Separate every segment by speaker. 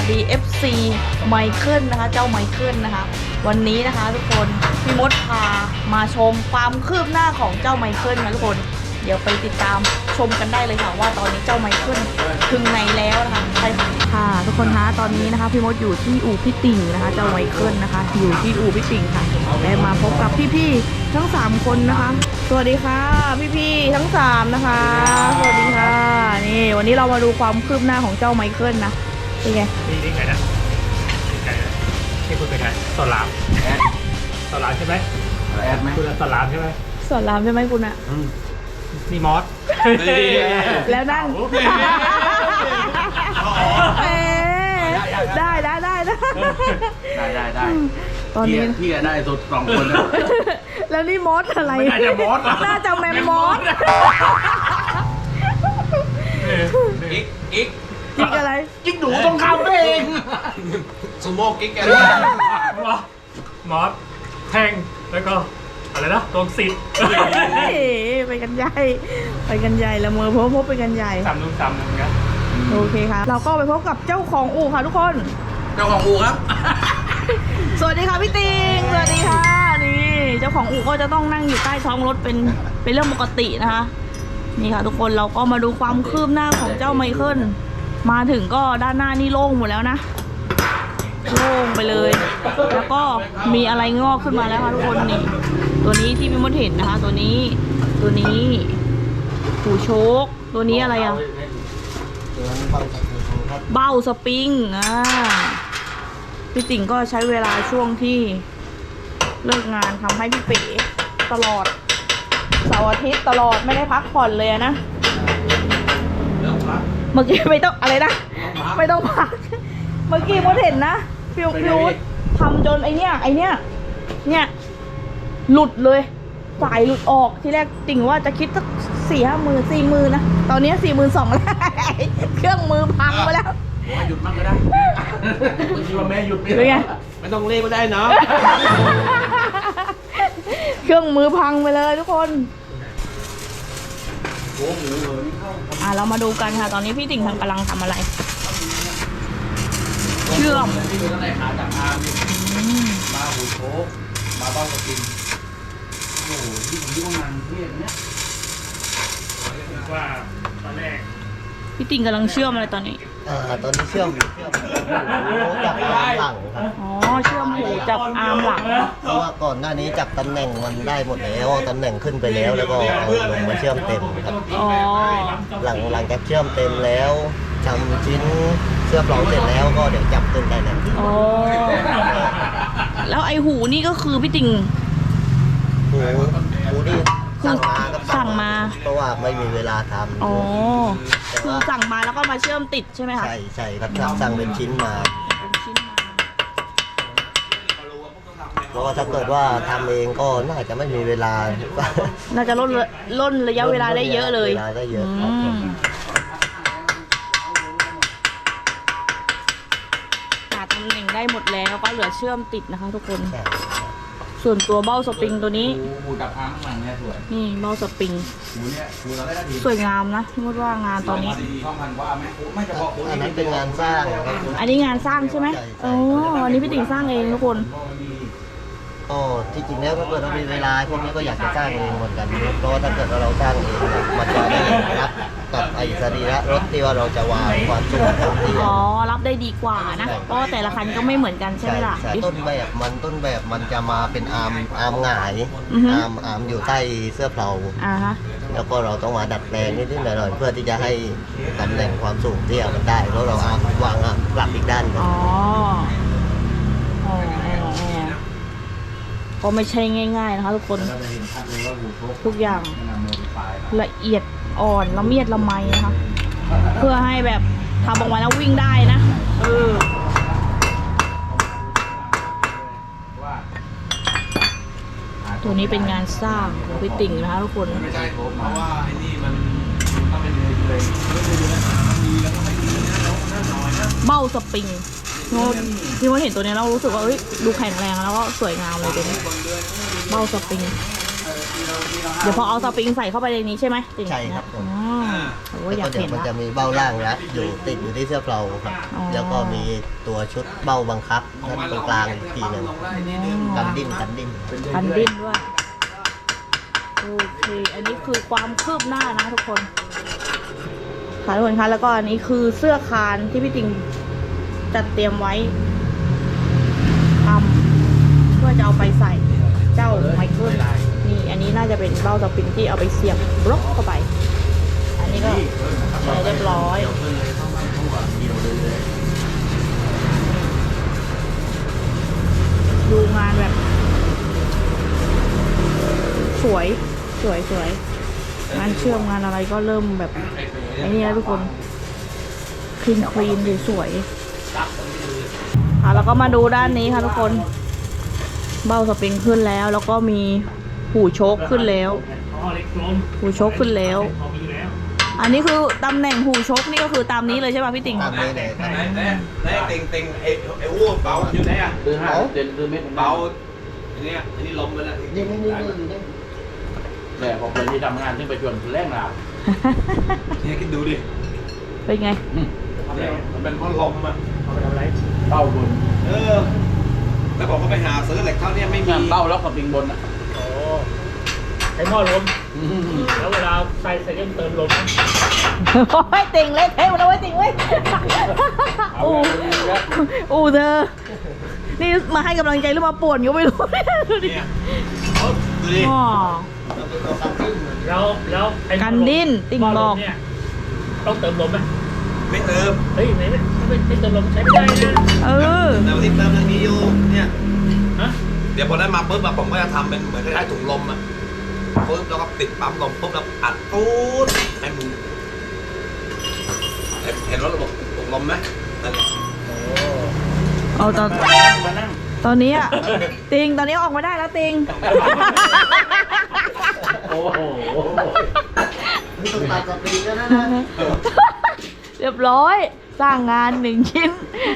Speaker 1: สดี FC ไมเคิลนะคะเจ้าไมเคิลนะคะวันนี้นะคะทุกคนพี่มดพามาชมความคืบหน้าของเจ้าไมเคิลนะทุกคนเดี๋ยวไปติดตามชมกันได้เลยค่ะว่าตอนนี้เจ้าไมเคิลถึงไหนแล้วนะคะใช่ค่ะทุกคนคะตอนนี้นะคะพี่มดอยู่ที่อู่พี่ติ่งนะคะเจ้าไมเคิลนะคะอยู่ที่อู่พี่ติ่งค่ะได้มาพบกับพี่ๆทั้ง3คนนะคะสวัสดีค่ะพี่ๆทั้ง3นะคะสวัสดีค่ะนี่วันนี้เรามาดูความคืบหน้าของเจ้าไมเคิลนะเป็นไง
Speaker 2: นี่ไงนะนี่ไงนะที่คุณเป็นไงสอนรามสอนรามใช่ไหม
Speaker 3: แอดไหม
Speaker 2: คุณสอนรามใช่ไหม
Speaker 1: สอนรามใช่ไหมคุณอะ
Speaker 2: นี่มอส
Speaker 1: แล้วนั่งได้ตอนนี้
Speaker 3: พี่ได้สุด2 คน
Speaker 1: แล้วนี่มอสอะไร
Speaker 2: น่าจะมอส
Speaker 1: น่าจะแมมมอสกิ๊กอะไร
Speaker 3: กิ๊กหนูต้องคำเองซูโม่กิ๊กแก
Speaker 2: มอสแทงแล้วก็อะไรนะตรงสิทธิ์
Speaker 1: ไปกันใหญ่ละเมอพบไปกันใหญ่
Speaker 2: 3 นุ่ม3นุ่มกัน
Speaker 1: โอเคค่ะเราก็ไปพบกับเจ้าของอู่ค่ะทุกคน
Speaker 3: เจ้าของอู่ครับ
Speaker 1: สวัสดีค่ะพี่ติงสวัสดีค่ะนี่เจ้าของอู่ก็จะต้องนั่งอยู่ใต้ท้องรถเป็นเรื่องปกตินะคะนี่ค่ะทุกคนเราก็มาดูความคืบหน้าของเจ้าไมเคิลมาถึงก็ด้านหน้านี่โล่งหมดแล้วนะโล่งไปเลยแล้วก็มีอะไรงอกขึ้นมาแล้วค่ะทุกคนนี่ตัวนี้ที่พี่มดเห็นนะคะตัวนี้หูโชคตัวนี้อะไรอ่ะเบ้าสปริงพี่ติ่งก็ใช้เวลาช่วงที่เลิกงานทำให้พี่เป๋ตลอดเสาร์อาทิตย์ตลอดไม่ได้พักผ่อนเลยนะเมื่อกี้ไม่ต้องอะไรนะไม่ต้องพักเมื่อกี้มดเห็นนะฟิวทำจนไอเนี้ยหลุดเลยสายหลุดออกทีแรกติ่งว่าจะคิดสัก4-5 หมื่น4 หมื่นนะตอนนี้42,000แล้วเครื่องมือพังไปแล้ว
Speaker 3: หยุดมั่งก็ได้คิดว่าแม่หยุดไม่ต้องเล่ก็ได้เนาะ
Speaker 1: เครื่องมือพังไปเลยทุกคนเรามาดูกันค่ะตอนนี้พี่ติ่งกำลังทำอะไรเชื่อม
Speaker 3: ที่ดูตั้งแต่ขาจากอาร์มมาหูโชกมาเบ้าสปริงโอ้โหที่ผมยุ่งงานเรื่องเนี้ย
Speaker 2: ว่าตอนแรก
Speaker 1: พี่ติ่งกำลังเชื่อมอะไรตอนนี้
Speaker 4: ตอนนี้เชื่อมจากอาร์มหลังครับ
Speaker 1: เชื่อมหูจากอาร์มหลัง
Speaker 4: เพราะว่าก่อนหน้านี้จับตำแหน่งมันได้หมดแล้วตำแหน่งขึ้นไปแล้วแล้วก็เอาลงมาเชื่อมเต็มครับหลังจากเชื่อมเต็มแล้วทำชิ้นเชื่อมรองเสร็จแล้วก็เดี๋ยวจับขึ้นได้แล้ว
Speaker 1: แล้วไอหูนี่ก็คือพี่ติ่ง
Speaker 4: หูนี่สั่งมาเพราะว่าไม่มีเวลาทำ
Speaker 1: คือสั่งมาแล้วก็มาเชื่อมติดใช่ไหมคะ
Speaker 4: ใช่ครับสั่งเป็นชิ้นมาเพราะว่าถ้าเกิดว่าทำเองก็น่าจะไม่มีเวลา
Speaker 1: น่าจะล่นระยะเวลาได้เยอะเลย
Speaker 4: ได้เยอะ
Speaker 1: หาตำแหน่งได้หมดแล้วก็เหลือเชื่อมติดนะคะทุกคนส่วนตัวเบ้าสปริงตัวนี้นี่เบ้าสปริงสวยงามนะพี่มดว่างานตอนนี้
Speaker 4: อันนั้นเป็นงานสร้าง
Speaker 1: อันนี้งานสร้างใช่ไหมอันนี้พี่ติ่งสร้างเองทุกคน
Speaker 4: ที่จริงแล้วถ้าเกิดเรามีเวลาพวกนี้ก็อยากจะสร้างเองเหมือนกันเพราะว่าถ้าเกิดเราสร้างเองมันจะได้รับกับไอ้สรีระรถที่ว่าเราจะวางความสูง
Speaker 1: รับได้ดีกว่านะเพราะแต่ละคันก็ไม่เหมือนกันใช่ไหมล่ะ
Speaker 4: ต้นแบบมันจะมาเป็นอาร์มหงายอาร์มอยู่ใต้เสื้อเผาแล้วก็เราต้องมาดัดแปลงนิดหน่อยเพื่อที่จะให้ตำแหน่งความสูงที่มันได้แล้วเราวางปรับอีกด้าน
Speaker 1: ก็ไม่ใช่ง่ายๆนะคะทุกคนทุกอย่างละเอียดอ่อนละเมียดละไมนะคะเพื่อให้แบบทำออกมาแล้ววิ่งได้นะตัวนี้เป็นงานสร้างของพี่ติ่งนะคะทุกคนเบ้าสปริงพี่ว่าเห็นตัวนี้เรารู้สึกว่าดูแข็งแรงแล้วก็สวยงามเลยตัวนี้เบ้าสปริงเดี๋ยวพอเอาสปริงใส่เข้าไปในนี้ใช่ไหม
Speaker 4: ใช่ครับ
Speaker 1: โอ้
Speaker 4: แล้ว
Speaker 1: อยา
Speaker 4: ก็
Speaker 1: ก
Speaker 4: เดี๋ย
Speaker 1: เห็
Speaker 4: วน มัน
Speaker 1: นะ
Speaker 4: จะมีเบ้าล่างรัดอยู่ติดอยู่ที่เสื้อเพลาครับ
Speaker 1: อ๋อ
Speaker 4: แล้วก็มีตัวชุดเบ้าบังคับด้านตรงกลางอีกทีหนึงกันดิ้น
Speaker 1: พันดิ้นด้วยโอเคอันนี้คือความคืบหน้านะทุกคนค่ะทุกคนคะแล้วก็อันนี้คือเสื้อคานที่พี่ติงจัดเตรียมไว้ทำเพื่อจะเอาไปใส่เจ้าไมเคิลนี่อันนี้น่าจะเป็นเบ้าสปริงที่เอาไปเสียบบล็อกเข้าไป อันนี้ก็เรียบร้อยดูงานแบบ สวยงานเชื่อมงานอะไรก็เริ่มแบบไอ้นี่นะทุกคนคลีนสวยแล้วก็มาดูด้านนี้ค่ะทุกคนเบ้าสปริงขึ้นแล้ว แล้วก็มีหูโชคขึ้นแล้ว
Speaker 2: อ๋อเล็กลม
Speaker 1: หูโชคขึ้นแล้ว
Speaker 2: พอมีแล้ว
Speaker 1: อันนี้คือตำแหน่งหูชกนี่ก็คือตามนี้เลยใช่ป่ะพี่ติ่ง
Speaker 4: ตามนี้เลยครับ
Speaker 3: ไหนติงไอ้อ้วกเบาอยู่ไหนอ่ะ
Speaker 5: คือ5 เซนคือเม็ด
Speaker 3: เบาอันนี้ล้มไปแล้ว
Speaker 4: นี่
Speaker 5: แต่พอคนที่ทำงานที่ไปชวนแรงลา
Speaker 3: เนี่ยคิดดูดิ
Speaker 1: เป็นไง
Speaker 3: มันเป็นเพราะลมอ่ะ
Speaker 2: เอาไปทำอะไร
Speaker 5: เป้าบน
Speaker 3: แล้วบอกว่าไปหาซื้อเหล็กเท่านี้ไม่มี
Speaker 5: งานเป้าแล้วกับปิงบนอ่ะ
Speaker 2: โอ้ใช้หม้อลมแล้วเวลาใส่เติมลมนะ
Speaker 1: โอ้ยติ่งเล่นเทปแล้วไว้ติ่งเว้ยอู้เธอนี่มาให้กำลังใจหรือมาป่วนก็ไม่รู้ดูดิ
Speaker 3: เนี่ยดูดิ
Speaker 1: อ๋อ
Speaker 2: แล้วไอ้
Speaker 1: กันดิ้นติ่ง
Speaker 2: หม้
Speaker 1: บอก
Speaker 2: ลมเนี่ยต้องเติมลมไหม
Speaker 3: ไม่เติม
Speaker 2: เฮ้ยไม่เติมลมใช้ไม่ได้นะ
Speaker 1: เออ
Speaker 3: แต่วันที่เติมยังมีอยู่เนี่ย
Speaker 2: ฮะ
Speaker 3: เดี๋ยวพอได้มาปุ๊บผมก็จะทำเป็นเหมือนคล้ายๆถุงลมอ่ะปุ๊บแล้วก็ติดปั๊มลมปุ๊บแล้วอัดตูดให้มึงเห็นรถระบบถุงลมไหมนั่นแหละ
Speaker 1: เอาตอน
Speaker 5: มานั่ง
Speaker 1: ตอนนี้อะติงตอนนี้ออกมาได้แล้วติง
Speaker 5: โอ้โห
Speaker 4: นี่ต้องตัดสปริงแล้วนะ
Speaker 1: เรียบร้อยสร้างงาน1 ชิ้น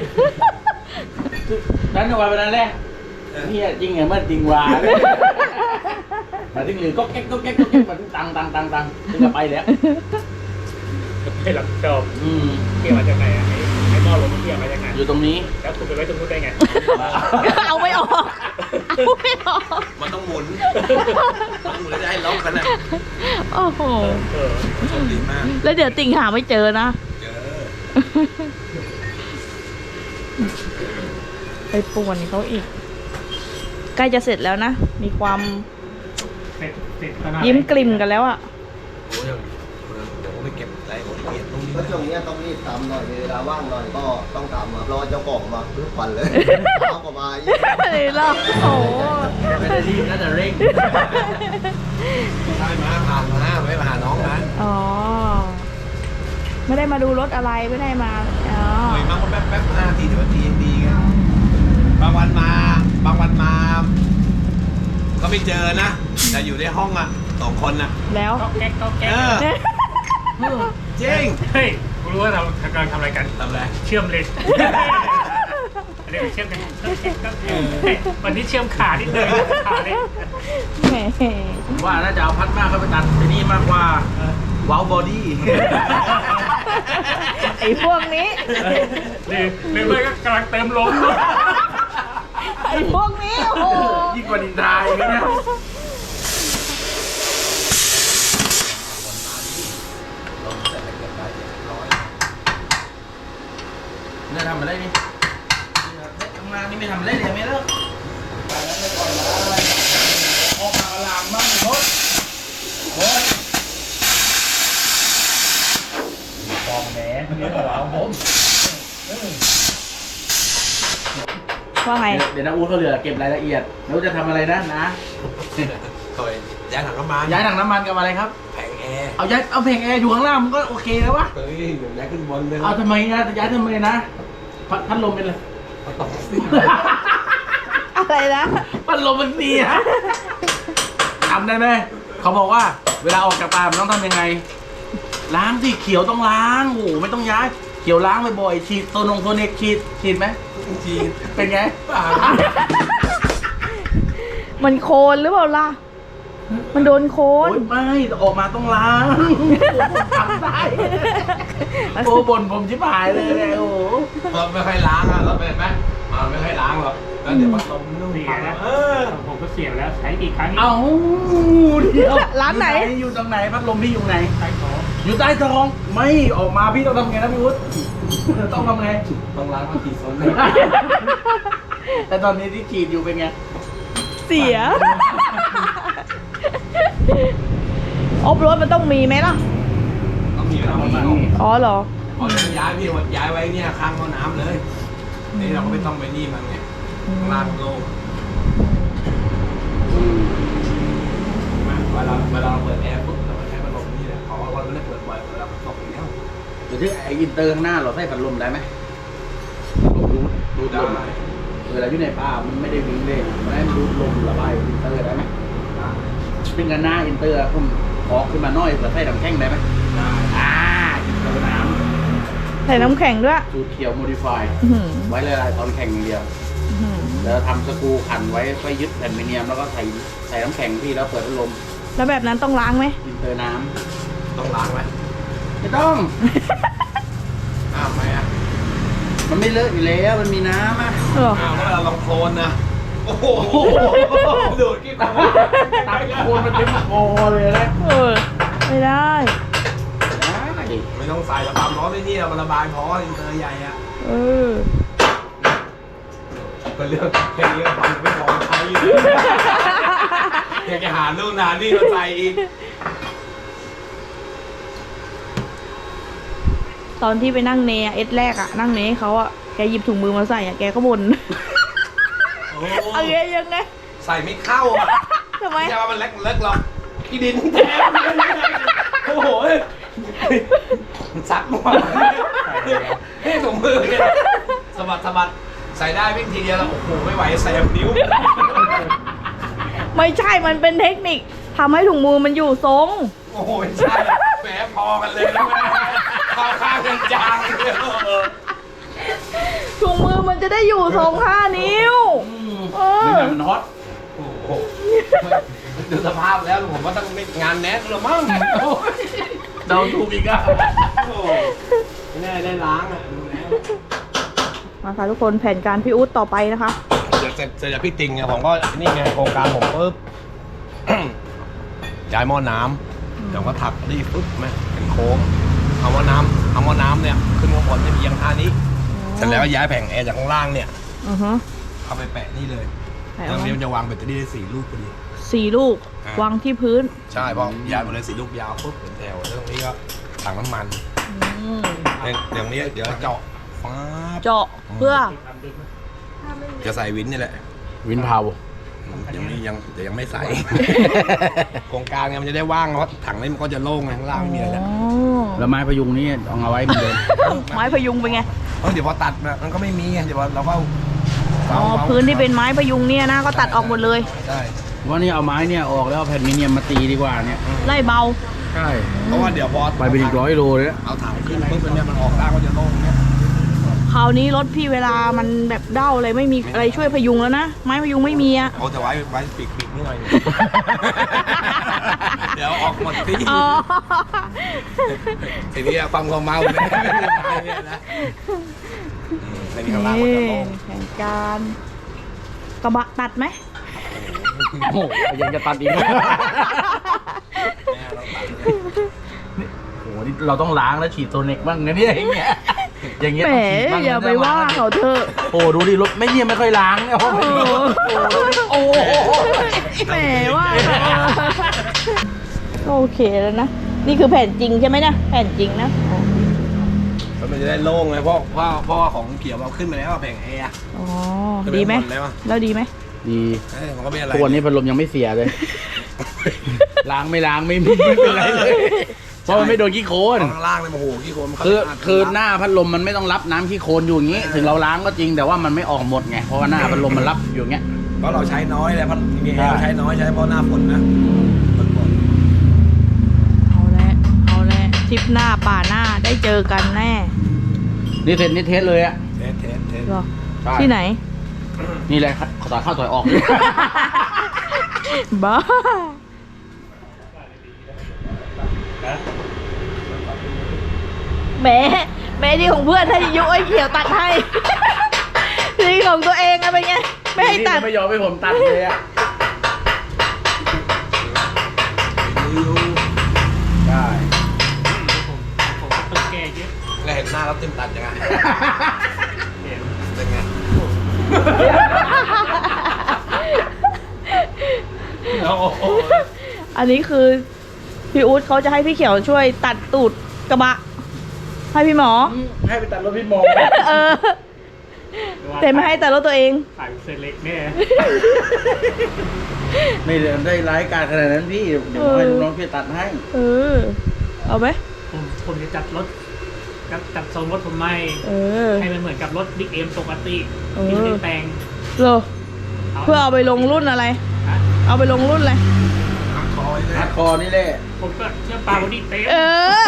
Speaker 5: นั้นเอาไว้เป็นอันแรกนี่จริงไงมันจริงว่ามาถึงหรือก็แก๊กมาถึงตังถึงจะไปแล้ว
Speaker 2: ไม่รับผิดชอบ
Speaker 5: อืม
Speaker 2: เกี่ยวมาจากไหนอะไอ้หม้อลมมันเกี่ยวมาจากไหน
Speaker 5: อยู่ตรงนี้
Speaker 2: แล้วคุณไปไว้ตรงนู้นได้ไง
Speaker 1: เอาไม่ออกเอาไม่ออก
Speaker 3: มันต้องหมุนแล้วจะให้ล็อกกันนะ
Speaker 1: โอ้โห
Speaker 3: โชคดีมาก
Speaker 1: แล้วเดี๋ยวติ่งหาไม่เจอนะ
Speaker 3: เจอ
Speaker 1: ไปป่วนเขาอีก ใกล้จะเสร็จแล้วนะ มีความ
Speaker 2: เสร็จขนาดไหน
Speaker 1: ยิ้มกลิ่มกันแล้วอะ
Speaker 3: โอ้ยเดี๋ยวผมไปเก็บรายละเอียดตรงนี้
Speaker 4: ก็ช่วงนี้ต้องรีบทำหน่อยเวลาว่างหน่อยก็ต้องทำรอเจ้าของมาทุกวันเลยเอาก็มาอีก
Speaker 1: เลยเหรอโอ้โห
Speaker 5: ไม่ได้รีบนะแต่เร่ง
Speaker 3: ใช่มาผ่านมาไม่มาหาน้องนะ
Speaker 1: อ๋อ ไม่ได้มาดูรถอะไรไม่ได้มา อ๋อ
Speaker 3: หน่อยมาก็แป๊บ5 ที10 นาทียังดีไงบางวันมา ก็ไม่เจอนะ แต่อยู่ในห้องอ่ะ2 คนอ่ะ
Speaker 1: แล้ว
Speaker 2: ก็แก๊ก
Speaker 3: เออจริง
Speaker 2: เฮ้ยกูรู้ว่าเรากำลังทำอะไรกัน
Speaker 3: ทำอะไร
Speaker 2: เชื่อมเลนอันนี้เชื่อมกันวันนี้เชื่อมขานิดนึงขาเลย
Speaker 1: แหม
Speaker 5: ผมว่าน่าจะเอาพัดมากเข้าไปตัดไปนี่มากกว่าว้าวบอดี้
Speaker 1: ไอ้พวกนี้
Speaker 2: หรือไม่ก็กำลังเติมลม
Speaker 1: ไอ้พวกนี้ โอ้โห
Speaker 5: ยิ่งกว่านินทาอย่างนี้นะเนี่ยทำอะไรนี่ทำงานนี่ไม่ทำอะไรเลยไม่เลิกออกมาลามบ้างโน้ตโน้ตฟองแหนนี่ของเราผม
Speaker 1: ว่าไง
Speaker 5: เดี๋ยวนะอู๊ดเขาเหลือเก็บรายละเอียดแล้วจะทำอะไรนะ
Speaker 3: เคยย้ายถังน้ำมัน
Speaker 5: ย้ายถังน้ำมันกับอะไรครับ
Speaker 3: แผงแอร์
Speaker 5: เอาเพลงแอร์อยู่ข้างล่างมันก็โอเคแล้ววะ
Speaker 3: เฮ้ยย้ายขึ้นบนเลย
Speaker 5: เอาทำไมนะย้ายทำไมนะพัดลมเป็นเลย
Speaker 1: อะไรนะ
Speaker 5: พัดลมมันเสียทำได้ไหมเขาบอกว่า เวลาออกจากป่ามันต้องทำยังไง ล้างสิเขียวต้องล้างโอ้โหไม่ต้องย้ายเขียวล้างบ่อยๆฉีดโซเนกฉีดไหม
Speaker 3: จีน
Speaker 5: เป็นไง
Speaker 3: ป่า
Speaker 1: มันโคลนหรือเปล่าล่ะมันโดนโค
Speaker 5: โอ้
Speaker 1: น
Speaker 5: ยไม่ออกมาต้องล้างผมทำได้โอ้บ่นผมชิบหายเลยเนี่ยโอ้โห
Speaker 3: เราไม่ค่อยล้างอ่ะเราเป็นไหมมันไม่ค่อยล้างหรอกแล้วเดี๋ยวพัดลมนุ่ม
Speaker 2: เสีย
Speaker 3: พัง
Speaker 2: นะ
Speaker 3: แล้ว
Speaker 2: ผมก็เสียแล้วใช้กี่ครั้ง
Speaker 5: เอ้าเดี๋ยว
Speaker 1: ร้านไหน
Speaker 5: อยู่ตรงไหนพัดลมพี่อยู่ไหน
Speaker 2: ใช้ของ
Speaker 5: อยู่ใต้ท้องไม่ออกมาพี่ต้องทำไงนะพี่วุฒิต้องทำไง
Speaker 3: ต้องล้างมากี่โซน
Speaker 5: แต่ตอนนี้ที่ฉีดอยู่เป็นไง
Speaker 1: เสียอบรถมันต้องมีไหมล่ะ
Speaker 3: ต้องมีต้องมี
Speaker 1: อ๋อเหรอ
Speaker 3: พอย้ายพี่ย้ายไว้เนี่ยข้างห้องน้ำเลยนี่เราก็ไม่ต้องไปนี่มันไงข้างล่างโล่งเวลาเราเปิดแอร์ปุ๊บเราก็ใช้พัดลมนี่แหละเพราะว่าเราไม่ได้เปิดบ่อยเวลามันตกอยู่แล้ว
Speaker 5: เดี๋ยวที่ไออินเตอร์ข้างหน้าเราใส่พัดลมได้ไหมดูดลมเวลาอยู่ในป่ามันไม่ได้วิ่งเลยมันได้ดูดลมระบายอินเตอร์ได้ไหมซึ่งกันหน้าอินเตอร์ผมออกขึ้นมาน้อยแต่ใส่น้ำแข็งได้ไหมอินเตอร์น้
Speaker 1: ใส่น้ำแข็งด้วย
Speaker 5: ำสูตรเขียวโมดิฟาย
Speaker 1: อื้อหือ
Speaker 5: ไว้ละลายตอนแข่งอย่างเดียว
Speaker 1: อื้อหือ
Speaker 5: แล้วทำสกรูขันไว้ไว้ยึดแผ่นมิเนียมแล้วก็ใส่น้ำแข็งพี่แล้วเปิดพัดลม
Speaker 1: แล้วแบบนั้นต้องล้างไหม
Speaker 5: อินเตอร์น้
Speaker 3: ต้องล้างไหม
Speaker 5: ำไม่ต้อง
Speaker 3: อ้าวไหมอ่ะ
Speaker 5: มันไม่เลอะอยู่แล้วมันมีน้ำอ่ะ
Speaker 1: เหรอ
Speaker 3: อ้าวแล้วเวลาลองโคลนนะโอ้โหดูดกี่คน
Speaker 5: ตักโคนมันเต็มคอเลยนะ
Speaker 1: เออ ไม่ได้
Speaker 5: ได้
Speaker 3: ไม่ต้องใส่ระบายร้อนไม่นี่เราระบายพออินเตอร์ใหญ่อะ
Speaker 1: เออ
Speaker 3: ก็เรื่องแค่นี้ก็ฟังไม่พอใช้อยู่อยากจะหาลูกนานนี่มาใส่อีก
Speaker 1: ตอนที่ไปนั่งเนยเอสแรกอะนั่งเนยให้เขาอะแกหยิบถุงมือมาใส่อะแกก็บ่น
Speaker 3: โอ้
Speaker 1: เอาไงยังไง
Speaker 3: ใส่ไม่เข้าอ่ะ
Speaker 1: ทำไม
Speaker 3: ไม่ใช่ว่ามันเล็กหรอกที่ดินแทนโอ้โหมันซักมาให้ถุงมือเนี่ยสะบัดใส่ได้วิ่งทีเดียวแล้วโอ้โหไม่ไหวใส่นิ้ว
Speaker 1: ไม่ใช่ มันเป็นเทคนิคทำให้ถุงมือมันอยู่ทรง
Speaker 3: โอ้โหไม่ใช่แหมพอกันเลยนะเข้าข้างกันจังเลย
Speaker 1: ถุงมือมันจะได้อยู่ทรง5 นิ้ว เออ
Speaker 5: ไม่งั้นมันฮอต
Speaker 3: โอ้โหดูสภาพแล้วผมว่าต้องไม่งานแนทหรือมั้ง
Speaker 5: เดาถูกอีกอ่ะ
Speaker 3: โอ้โหไม่แน่ได้ล้างอ่ะดูแล้ว
Speaker 1: มาค่ะทุกคนแผนการพี่อุ๊ดต่อไปนะคะ
Speaker 3: เดี๋ยวเสร็จจากพี่ติงไงผมก็นี่ไงโครงการผมปุ๊บ ย้ายหม้อน้ำเดี๋ยวก็ถักรีปุ๊บไหมเป็นโค้งเอาหม้อน้ำเนี่ยขึ้นข้างบนจะมียังท่านี้เสร็จแล้วย้ายแผงแอร์จากข้างล่างเนี่ย
Speaker 1: อือฮะ
Speaker 3: เอาไปแปะนี่เลย
Speaker 1: ไหน
Speaker 3: ตร
Speaker 1: เอา
Speaker 3: ง
Speaker 1: ไว้
Speaker 3: นี้มันจะวางแบตเตอรี่ได้4 ลูกพอดี
Speaker 1: 4 ลูก
Speaker 3: อ่ะ
Speaker 1: วางที่พื้น
Speaker 3: ใช่เพราะย้ายหมดเลย4 ลูกยาวปุ๊บเป็นแถวแล้วตรงนี้ก็ถังน้ำมัน
Speaker 1: อืม
Speaker 3: เดี๋ยวนี้เดี๋ยวเจาะฟ้าบ
Speaker 1: เจาะเพื่อ
Speaker 3: จะใส่วินนี่แหละ
Speaker 5: วินเผา
Speaker 3: เดี๋ยวยังไม่ใส่ โครงการไงมันจะได้ว่างเพราะถังนี้มันก็จะโล่งไงข้างล่างไม่มีอะไรแล้ว
Speaker 1: อ๋อ
Speaker 5: แล้วไม้พยุงนี่เอาไว้เหมือนเดิม
Speaker 1: ไม้พยุงเป็นไง
Speaker 3: เดี๋ยวพอตัดมันก็ไม่มีไงเดี๋ยวเราก็
Speaker 1: อ๋อ พื้นที่เป็นไม้พยุงเนี่ยนะก็ตัดออกหมดเลย
Speaker 3: ใช่
Speaker 5: ว่านี่เอาไม้เนี่ยออกแล้วเอาแผ่นมิเนียมมาตีดีกว่าเนี่ย
Speaker 1: ไล่เบา
Speaker 5: ใช่
Speaker 3: เพราะว่าเดี๋ยวพอ
Speaker 5: ไปเป็นอีก100 โลเลยนะ
Speaker 3: เอาถังขึ้นปุ๊บเนี่ยมันออกได้ก็จะโล่งเนี่ย
Speaker 1: คราวนี้รถพี่เวลามันแบบเด้าอะไรไม่มีอะไรช่วยพยุงแล้วนะ ไม้พยุงไม่มีอะ
Speaker 3: เอาแต่ไว้ปีกนิดหน่อย เดี๋ยวออกหมดที่
Speaker 1: อ๋อ
Speaker 3: ทีนี้ความเมาเนี่ยนะในนี้ข้างล่างมันจะโล่ง
Speaker 1: แผนการกระบะตัดไหม
Speaker 5: โอ้โหยังจะตัดอีก
Speaker 3: แม่เราตัด
Speaker 5: โอ้โหนี่เราต้องล้างแล้วฉีดโซเน็กบ้างนะเนี่ยอย่างเงี้ยอย่างเงี้ย
Speaker 1: แหม
Speaker 5: ต้องฉีดบ้างนะ
Speaker 1: อย่าไปว่าเขาเถอะ
Speaker 5: โอ้ดูดิรถไม่เนี่ยไม่ค่อยล้างเนี่ยโอ้โหโอ้โห
Speaker 1: แหมว่าโอเคแล้วนะ นี่คือแผ่นจริงใช่ไหมนะแผ่นจริงนะ
Speaker 3: แล้วมันจะได้โล่งไงเพราะว่าของเขียวเราขึ้นมาแล้วแผงแอร์
Speaker 1: อ๋อ ดีไหม
Speaker 3: จะเป็นหมดเลยวะ
Speaker 1: แล้วดีไหม
Speaker 5: ดี
Speaker 3: มันก็ไม่อะไร
Speaker 5: ตัวนี้พัดลมยังไม่เสียเลย ล้างไม่ล้างไม่เป็นไรเลย เพราะมันไม่โดนขี้โคลน
Speaker 3: ข้างล่างเลยโอ้โหขี้โคลนมัน
Speaker 5: คือหน้าพัดลมมันไม่ต้องรับน้ำขี้โคลนอยู่อย่างนี้ ถึงเราล้างก็จริงแต่ว่ามันไม่ออกหมดไง เพราะว่าหน้าพัดลมมันรับอยู่อย่างเงี้ย
Speaker 3: เพราะเราใช้น้อยเลยเพราะมี
Speaker 5: ใช่
Speaker 3: เราใช้น้อยใช้เพราะหน้าฝนนะ
Speaker 1: เอาละเอาละทริปหน้าป่าหน้าได้เจอกันแน่
Speaker 5: นี่เสร็จนี่เทสเลยอะ
Speaker 3: เทส
Speaker 1: เหรอ
Speaker 5: ใช่
Speaker 1: ที่ไหน
Speaker 5: นี่แหละต่อยเข้าต่อยออก
Speaker 1: บ้าแหมที่ของเพื่อนให้ยุ้ยเขียวตัดให้ ที่ของตัวเองอะเป็นไงไม่ให้ตัด
Speaker 5: ไม่ยอมให้ผมตัดเลยอ่ะได้
Speaker 2: ผมต้องแก้เยอะ
Speaker 3: แล้วเห็นหน้าแล้วเต็มตัดยังไง
Speaker 2: เห็น
Speaker 3: เป็นไง
Speaker 5: โอ้โห
Speaker 1: อันนี้คือพี่อู๊ดเขาจะให้พี่เขียวช่วยตัดตูดกระบะให้พี่หมอ
Speaker 5: ให้ไปตัดรถพี่หมอ
Speaker 1: เออแต่ไม่ให้ตัดรถตัวเอง
Speaker 2: ขายเซเล็กแน่
Speaker 5: ไม่ได้ร้ายการขนาดนั้นพี่ เดี๋ยวให้ลูกน้องช่วยตัดให้
Speaker 1: เออ เอาไหม
Speaker 2: ผมจะจัดรถจัดทรงรถผมไม่
Speaker 1: เออ
Speaker 2: ให้มันเหมือนกับรถบิ๊กเอ็มปกติ
Speaker 1: เออ
Speaker 2: ที่ไม่ได้แต่ง
Speaker 1: เหรอเพื่อเอาไปลงรุ่นอะไร
Speaker 2: ฮะ
Speaker 1: เอาไปลงรุ่นอะไร
Speaker 5: ฮาร์ดคอร์นี่แหละ
Speaker 2: ผมก็เชื่อปลาบอดี้เต็ม
Speaker 1: เออ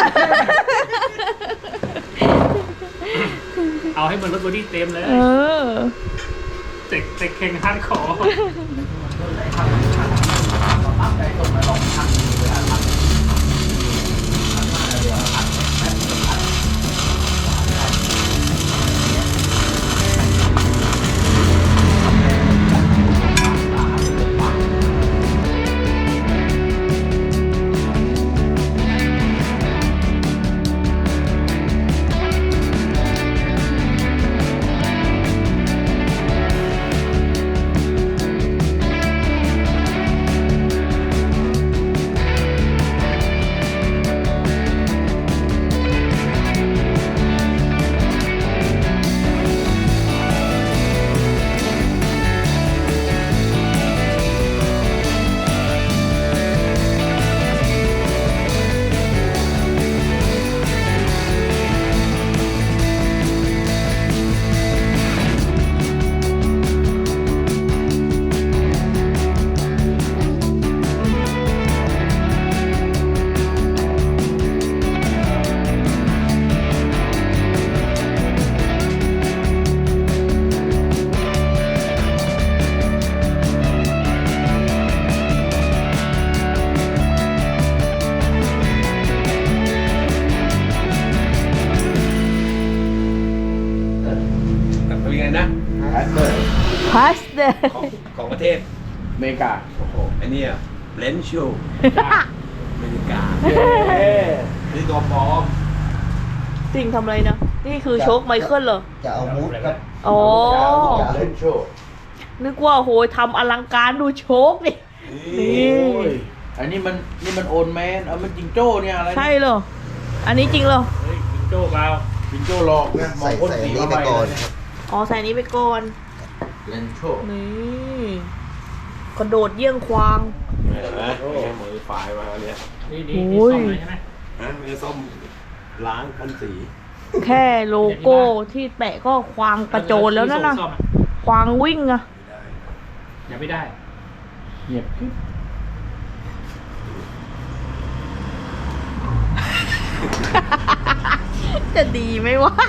Speaker 2: เอาให้เหมือนรถบอดี้เต็มเลย
Speaker 1: เออ
Speaker 2: เจ็กเข่งฮาร์ดคอร์
Speaker 3: เป็นไงนะ
Speaker 5: แอสเตอร์
Speaker 1: พาสเตอร์
Speaker 3: ของประเทศ
Speaker 5: อเมริกา
Speaker 3: โอ้โหไอ้นี่เลนชูอเมริกา นี่ตัวปลอม
Speaker 1: จริงทำอะไรนะ นี่คือโชคไมเคิลเหรอ
Speaker 4: จะเอามูดครับ
Speaker 1: อ๋อ
Speaker 4: จะเล่นโชว์
Speaker 1: นึกว่าโหยทำอลังการดูโชคดิ นี่
Speaker 5: โอ้ยอันนี้มันโอนแมนมันจิงโจ้เนี่ยอะไร
Speaker 1: ใช่เหรอ อันนี้จริงเหรอ
Speaker 2: เฮ้ยจิงโจ้เปล่า
Speaker 5: จิงโจ้หลอกนะมอง
Speaker 4: ใส่
Speaker 5: พ่น
Speaker 4: ใส่
Speaker 5: สี
Speaker 4: อันนี้
Speaker 5: เข้า
Speaker 4: ไป
Speaker 5: ไป
Speaker 4: ก่อน
Speaker 5: เลย
Speaker 4: ครับ
Speaker 1: อ๋อใส่นี้ไปก่อน
Speaker 5: เลนโช
Speaker 1: นี่กระโดดเยี่ยงควาง
Speaker 3: เห็นไหมมือฝ่ายมาเนี่ย
Speaker 2: นี่
Speaker 1: โอ้ย
Speaker 2: ซ่อมเลยใช่ไหม
Speaker 3: ฮะมีส้มล้างพ่นสี
Speaker 1: แค่โลโก้ที่แปะก็ควางกระโจนแล้วนั่นนะ
Speaker 2: ซ่อมอ
Speaker 1: ควางวิ่งอะ
Speaker 2: อย่าไม่ได้
Speaker 5: เงียบกิ๊บ
Speaker 1: จะดีไหมวะ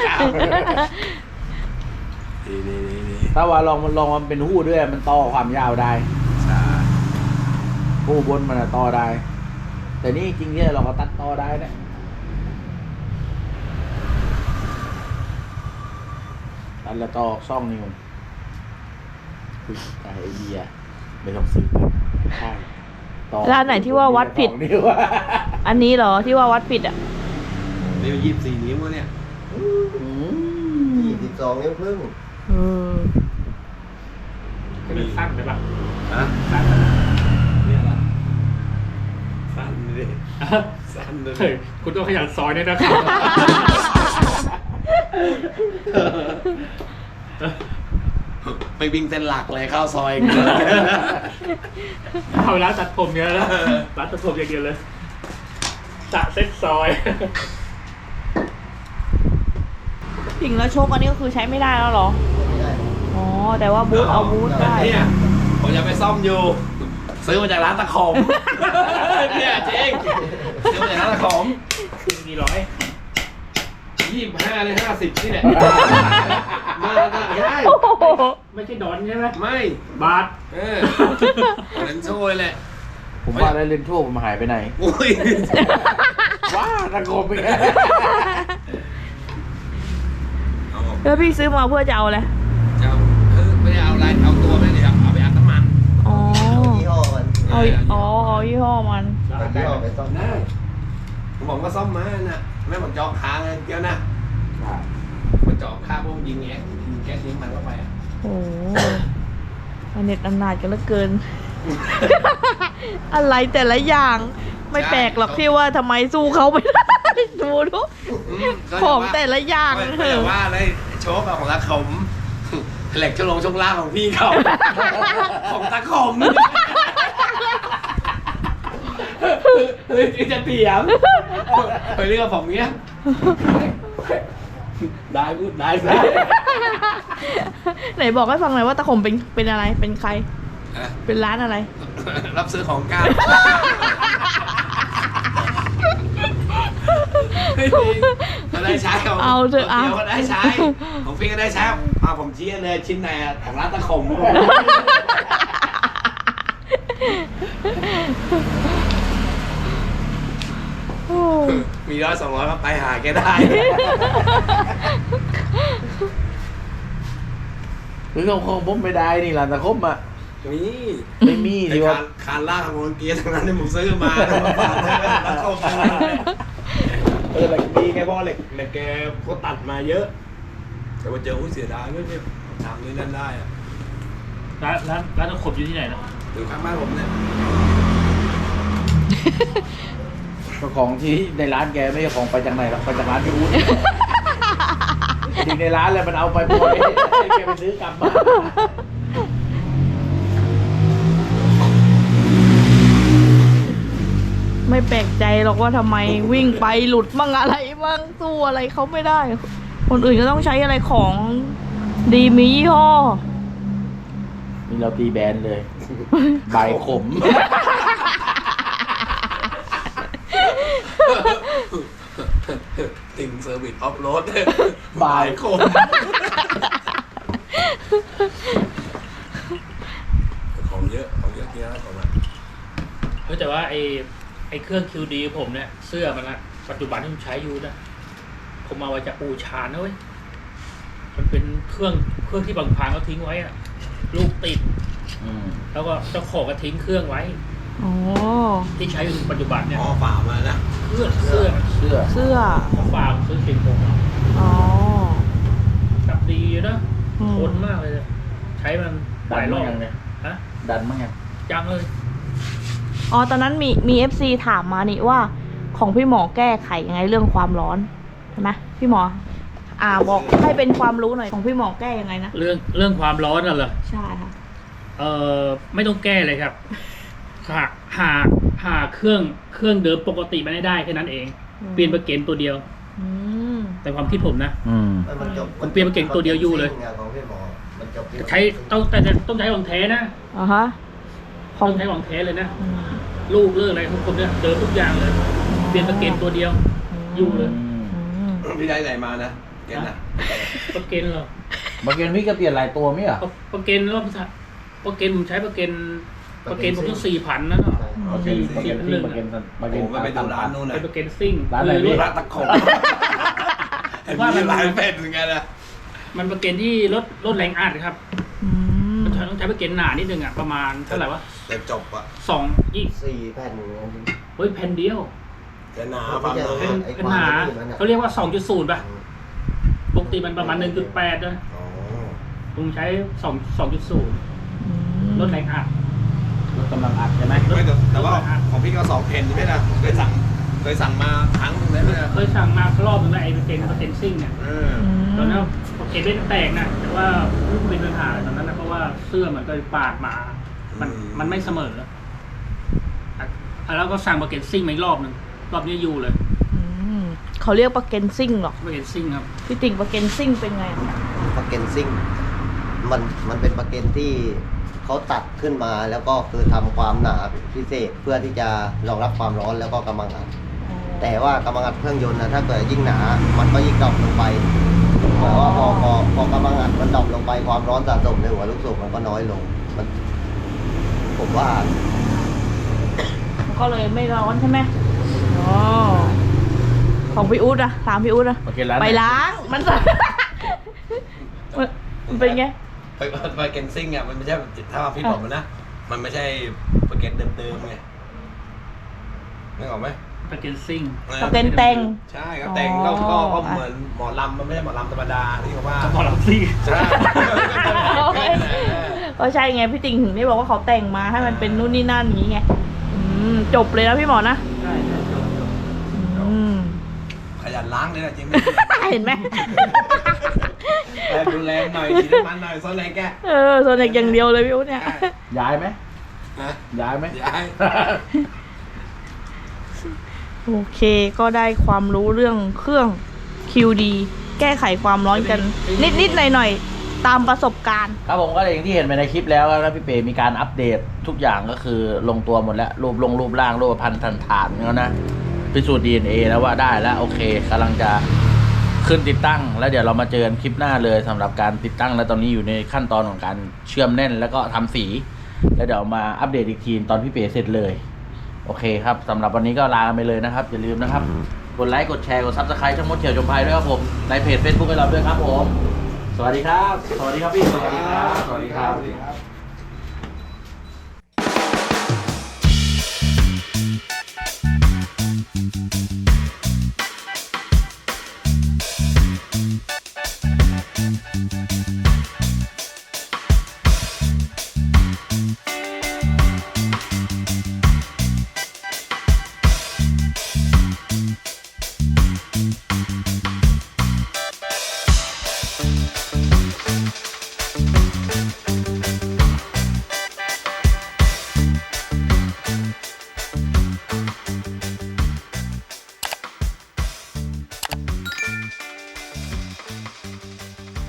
Speaker 3: นี่
Speaker 5: ถ้าว่าลองมันเป็นหู้ด้วยมันต่อความยาวได้
Speaker 3: ใช่
Speaker 5: หู้บนมันอะต่อได้ แต่นี่จริงเนี่ยเราก็ตัดต่อได้นะตัดแล้วต่อซ่องนี่มันคือไอเดียไม่ต้องซื้อใช่ต่อ
Speaker 1: ร้านไหนที่ว่าวัดผิด
Speaker 5: นี่ว่า
Speaker 1: อันนี้เหรอที่ว่าวัดผิดอะ
Speaker 3: นี่24 นิ้วเนี่ย
Speaker 4: 22 นิ้วครึ่ง
Speaker 1: เออ
Speaker 2: มันสั้นไปป่ะ
Speaker 3: ฮะ
Speaker 2: สั้นไป
Speaker 3: เนี่ยละสั้นเลยสั้นเลย
Speaker 2: เฮ้ยคุณต้องขยันซอยด้วยนะครับ
Speaker 3: ไปวิ่งเส้นหลักเลยเข้าซอย
Speaker 2: เอาร้านตัดผมเนี่ยนะร้านตัดผมอย่างเดียวเลยจะเซ็ตซอย
Speaker 1: จริงแล้วโชคอันนี้ก็คือใช้ไม่ได้แล้วเหรอ
Speaker 4: ไม่ได้
Speaker 1: อ๋อ แต่ว่าบูทเอาบูทได้
Speaker 3: เนี่ยผมจะไปซ่อมอยู่ ซื้อมาจากร้านตะขม เนี่ยจริงซื้อมาจากร้านตะขม
Speaker 2: มีร้อย
Speaker 3: 25เลย50นี่แหละมาได้
Speaker 1: โอ้โห
Speaker 2: ไม่ใช่ดอนใช่ไหม
Speaker 3: ไม่
Speaker 2: บาท
Speaker 3: เลนโชว์เลยแหละ
Speaker 5: ผมว่าแล้วเลนโชว์ผมหายไปไหน
Speaker 3: อุ้ย
Speaker 5: ว้าตะโกนไปแก
Speaker 1: แล้วพี่ซื้อมาเพื่อจะเอาอะไร
Speaker 3: จะไม่ได้เอาอะไรเอาตัวไม่ได้เอาไปอัดน้ำมัน
Speaker 1: อ๋อ
Speaker 4: ยี่ห้อมัน
Speaker 1: เอาเอายี่ห้อมัน
Speaker 4: เอายี่ห้อไปซ่อม
Speaker 3: ได้ผมก็ซ่อมมาน่ะแม่ผมจองค้างเกี้ยวนะมันจองค้างพวกยิงแก๊สยิงมันเข้าไปอ่ะ
Speaker 1: โอ้โหมันเน็ตอำนาจกันเหลือเกิน อะไรแต่ละอย่างไม่แปลกหรอกที่ว่าทำไมสู้เขาไม่ได้ ดูทุกของแต่ละอย่าง
Speaker 3: ไม่
Speaker 1: เถ
Speaker 3: แต่
Speaker 1: อะ
Speaker 3: ว่าเลยโชคของตาขมเหล็กช่วงล่างของพี่เขาของตาขมเลยจะเถียงไปเรื่องผมเนี้ยได้พูดได้สิ
Speaker 1: ไหนบอกให้ฟังหน่อยว่าตะขมเป็นอะไรเป็นใคร เป็นร้านอะไร
Speaker 3: รับซื้อของเก่าก็ได้ใช้ของ
Speaker 1: เอาเถอะเอา
Speaker 3: เดียวก็ได้ใช้ของพี่ก็ได้ใช้ผมชี้เลยชิ้นไหนของร้านตะขมมี100-200ก็ไปหาแกได้
Speaker 5: หรือของผมไม่ได้นี่ร้านตะคมอ่ะ
Speaker 3: นี่
Speaker 5: ไม่มี
Speaker 3: ไอ้
Speaker 5: ดีว่า
Speaker 3: คานล่างของเกียร์ทั้งนั้นที่ผมซื้อมาฝากตะขมเหล็กดีไงเพราะเหล็กแกเขาตัดมาเยอะ แต่ว่าเจอเสียดายไม่ได้ทำนี่นั่นได้อะ
Speaker 2: ร้านตะขบอยู่ที่ไหนนะ
Speaker 3: อยู่ข้างบ้านผมเนี่ย
Speaker 5: ก็ของที่ในร้านแกไม่ใช่ของไปจากไหนหรอกไปจากร้านพี่อุ้นจริงในร้านเลยมันเอาไปหมดเลยให้แกไปซื้อกลับมา
Speaker 1: ไม่แปลกใจหรอกว่าทำไมวิ่งไปหลุดมั่งอะไรมั่งสู้อะไรเขาไม่ได้ คนอื่นก็ต้องใช้อะไรของดีมียี่ห้อ
Speaker 5: นี่เราตีแบนเลยใบขม
Speaker 3: ติงเซอร์วิสออฟโรด
Speaker 5: บ่ายคม
Speaker 3: ของเยอะเกียร์ของมัน
Speaker 2: เฮ้ยแต่ว่าไอ้เครื่อง QD ผมเนี่ยเสื้อมันนะปัจจุบันที่ผมใช้อยู่นะผมมาไว้จากปูชานนะเว้ยมันเป็นเครื่องที่บางพางเขาทิ้งไว้อะลูกติดแล้วก็เจ้าของก็ทิ้งเครื่องไว้
Speaker 1: อ๋อ
Speaker 2: ที่ใช้อยู่ปัจจุบันเนี่ย
Speaker 3: อ๋อฝ่ามานะ
Speaker 2: เสื้อ เขาฝากซื้อสิงผม
Speaker 1: อ๋อ
Speaker 2: กับดีนะ
Speaker 1: อืม
Speaker 2: ทนมากเลยใช้มันห
Speaker 5: ดั
Speaker 2: ลาน ยร
Speaker 5: มั้
Speaker 2: อง บ
Speaker 5: ยังเนี่ย
Speaker 2: ฮะ
Speaker 5: ดันมั้งยัง
Speaker 2: จังเลย
Speaker 1: อ๋อตอนนั้นมีFC ถามมานี่ว่าของพี่หมอแก้ไขยังไงเรื่องความร้อนใช่ไหมพี่หมอ บอกให้เป็นความรู้หน่อยของพี่หมอแก้ยังไงนะ
Speaker 2: เรื่องความร้อนน่ะเหรอ
Speaker 1: ใช่ค่ะ
Speaker 2: ไม่ต้องแก้เลยครับหาเครื่องเดิมปกติมาได้แค่นั้นเอง
Speaker 1: อืม
Speaker 2: เปลี่ยนประเกนตัวเดียว
Speaker 1: อืม
Speaker 2: แต่ความคิดผมนะ
Speaker 4: มันจบ
Speaker 2: ผมเปลี่ยนมาเก่งตัวเดียวอยู่เลย
Speaker 4: ของพี่หมอมันจบที่
Speaker 2: ใช้ต้องใช้ของแท้นะ
Speaker 1: อ๋อฮะ
Speaker 2: ต้องใช้ของแท้เลยนะ
Speaker 1: อืม
Speaker 2: ลูกเลิกอะไรทุกคนเนี่ยเดิมทุกอย่างเลย เปลี่ยนประเกนตัวเดียว อยู่เลย
Speaker 1: อืม
Speaker 3: พี่ได้ไหนมานะแกน่ะ
Speaker 2: ประเกนเหรอ
Speaker 5: บางเกนพี่ก็เปลี่ยนหลายตัวมั้ยอ่ะ
Speaker 2: ประเกนรอบประเกนผมใช้ประเกนผมต้อง4,000นะเนาะ
Speaker 5: บางเกนซิ่งบางเกน
Speaker 3: โอ้โหไปดูร้านนู้น
Speaker 2: เป็
Speaker 3: นะ
Speaker 2: นประเกนซิ่ง
Speaker 5: ร้านไหน
Speaker 2: คือ
Speaker 3: ร้านตะขบเห็นว่าร้านเป็ดเหมือนกันนะ
Speaker 2: มันประเกนที่ลดแรงอัดครับ
Speaker 1: อืม
Speaker 2: มันต้องใช้ประเกนหนานิดนึงอ่ะประมาณเท่าไหร่วะ
Speaker 3: แต่จบอะ
Speaker 4: 4 แผ่น
Speaker 2: เฮ้ยแผ่นเดียว
Speaker 3: จะหนาฟังหนา
Speaker 2: เป็นหนาเขาเรียกว่า 2.0 ป่ะปกติมันประมาณ 1.8 นะ
Speaker 3: อ๋อ
Speaker 2: ผมใช้ 2.0
Speaker 1: อืม
Speaker 2: ลดแรงอัด
Speaker 5: รถกำลังอัดใช่ไหม
Speaker 3: ไม่แต่ว่าของพี่ก็2 เพนใช่ไหมล่ะเคยสั่งมาครั้งนึงแล้วนะ
Speaker 2: เคยสั่งมารอบนึงแล้วไอ้ประเกนซิ่งเนี่ย ตอนนั้นประเกนไม่แตกนะแต่ว่าเป็นปัญหาตอนนั้นนะเพราะว่าเสื้อมันก็ปาดมา มันไม่เสมอแล้วก็สั่งประเกนซิ่งมาอีกรอบนึงรอบนี้อยู่เลย
Speaker 1: อืมเขาเรียกปลาเกนซิ่งหรอก
Speaker 2: ประเกนซิ่งครับ
Speaker 1: พี่ติ่งปลาเกนซิ่งเป็นไง
Speaker 4: ปลาเกนซิ่งมันเป็นปลาเกนที่เขาตัดขึ้นมาแล้วก็คือทำความหนาพิเศษเพื่อที่จะรองรับความร้อนแล้วก็กำลังอัดแต่ว่ากำลังอัดเครื่องยนต์นะถ้าเกิดยิ่งหนา มันก็ยิ่งดรอปลงไปแต่ว่าพอกำลังอัดมันดรอปลงไปความร้อนสะสมในหัวลูกสูบมันก็น้อยลงผมว่า
Speaker 1: มันก็เลยไม่ร้อนใช่ไหมอ๋อของพี่อุ๊ดอะถามพี่อุ๊ดอะ
Speaker 5: โอเคร้าน
Speaker 1: ไปล้างมัน มันเป็นไง
Speaker 3: ไปเกนซิ่งอ่ะมันไม่ใช่ถ้าพี่บอกมันนะมันไม่ใช่โปรแกรมเดิมๆไงนึกออกไหม
Speaker 2: สเก็ตซิ่ง
Speaker 1: สเก็ตแต่ง
Speaker 3: ใช่ครับแต่งก็เหมือนหมอลำมันไม่ใช่หมอลำธรรมดาที่เขาว่า
Speaker 2: หมอลำซิ่ง
Speaker 3: ใช่
Speaker 1: ก็ใช่ไงพี่ติงถึงได้บอกว่าเขาแต่งมาให้มันเป็นนู่นนี่นั่นอย่างงี้ไงจบเลยนะพี่หมอนะ
Speaker 2: ใช่จบ
Speaker 1: อืม
Speaker 3: ขยันล้างเลยนะจริงไหม
Speaker 1: เห็นไหม
Speaker 3: แต่ดูแลหน่อยฉีดน้ำมันหน่อยซ่อนแรงแก
Speaker 1: โซนเด็กอย่างเดียวเลยพี่อุ๊ดเนี่ย
Speaker 5: ย้ายไหม
Speaker 3: นะ
Speaker 5: ย้ายไหม
Speaker 3: ย้าย
Speaker 1: โอเคก็ได้ความรู้เรื่องเครื่อง QD แก้ไขความร้อนกัน นิดๆหน่อยๆตามประสบการณ์
Speaker 5: ครับผมก็อย่างที่เห็นไปในคลิปแล้วนะพี่เป๋มีการอัปเดตทุกอย่างก็คือลงตัวหมดแล้วรูปร่างรูปพันธุ์ฐานแล้วนะพิสูจน์ DNA แล้วว่าได้แล้วโอเคกำลังจะขึ้นติดตั้ง แล้วเดี๋ยวเรามาเจอกันคลิปหน้าเลยสำหรับการติดตั้งแล้วตอนนี้อยู่ในขั้นตอนของการเชื่อมแน่นแล้วก็ทำสี แล้วเดี๋ยวมาอัปเดตอีกทีตอนพี่เป๋เสร็จเลยโอเคครับสำหรับวันนี้ก็ลาไปเลยนะครับอย่าลืมนะครับกดไลค์กดแชร์กด Subscribe ช่องมดเขียวจมพายด้วยครับผมในเพจ Facebook ให้เราด้วยครับผมสวัสดีครับสวัสดีครับพี่สวัสดีครับ
Speaker 3: สวัสดีครับ